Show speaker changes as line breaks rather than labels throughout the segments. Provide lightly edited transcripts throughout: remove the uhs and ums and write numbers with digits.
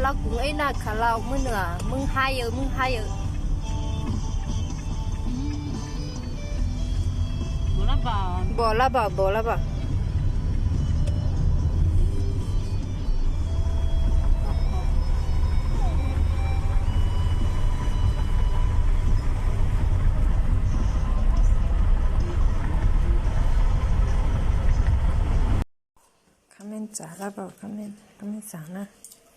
lao cũng ấy là khá lao mới nửa mưng hai giờ bỏ la bảo comment trả la bảo comment trả na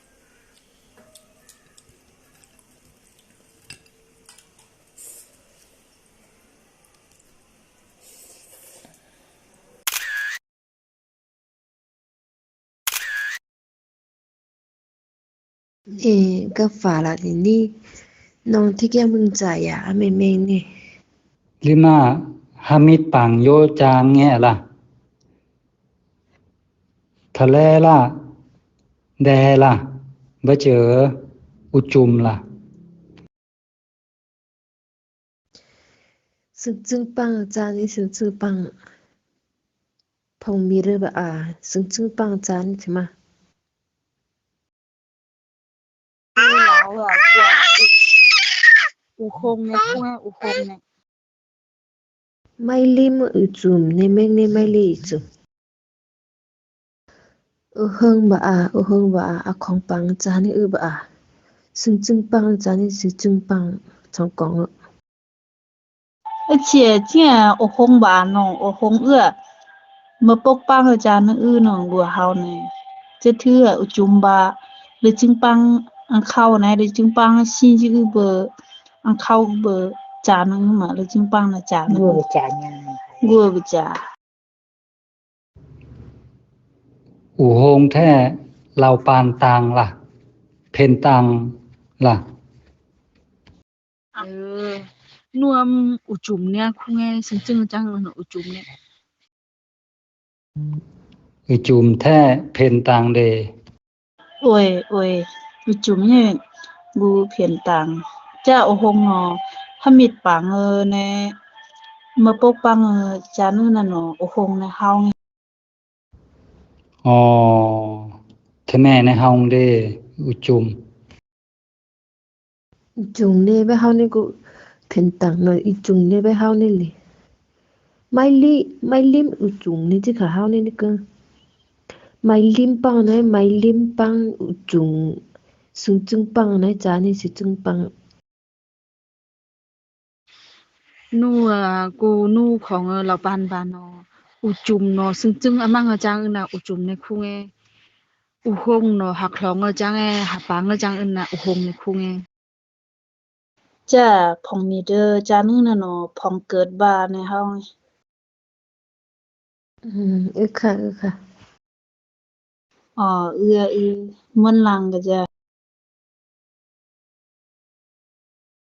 cái phà là thì đi nông thích cái mừng giải à mình nè
Lima Hamid Pang Yo Chang nghe là Thale là Đè là Bây giờ U chùm là
sừng sừng băng cha đi sừng sừng băng phong mi rơ bà à sừng sừng băng cha đi chứ mà
lão là u khôn này u khôn này
mai lim ở chùm nên mình nên mai li chùm ở hơn bà à không băng cha đi bà à sừng sừng băng cha đi sừng sừng băng trong con
而且这u khôn bà nó u khôn mà bốc băng ở cha nó nó đùa hao này这thứ u chum bà le chim băng ăn khao này le chim băng xin chứ bờ ăn khao bờ cha nó mà le chim băng là cha nó gua bờ cha
U hông thế Lao Pan Tang là Pen Tang là
nuông u chum nè không nghe sinh chưng chăng nó u chum nè
U chùm thế Pen Tang đề
ôi u chum nè gu phiền tàng cha u hông nó hamit bang nè mà bốc băng cha nó nó u hông nè hao nghe
Ồ Thế mẹ này hông đề U chùm
chùm nè bé hao nè cũng phiền tặng nói ít chùm nè bé hao nè li mai lim ở chùm nè chứ khả hao nè cơ mai lim băng ở chùm sừng sừng băng này cha nè sừng sừng băng
nuของเราปานบานออุจุมเนาะซึ่งจึงอะมังอะจังอึนะอุจุมในคุงเออุฮงเนาะหักคลองอะจังเอหักปังอะจังอึนะอุฮงในคุงเอจ้าพองมีเด้อจานึงน่ะเนาะพองเกิดบาในเฮา
ค่ะ
อ๋อมันลังก็จะ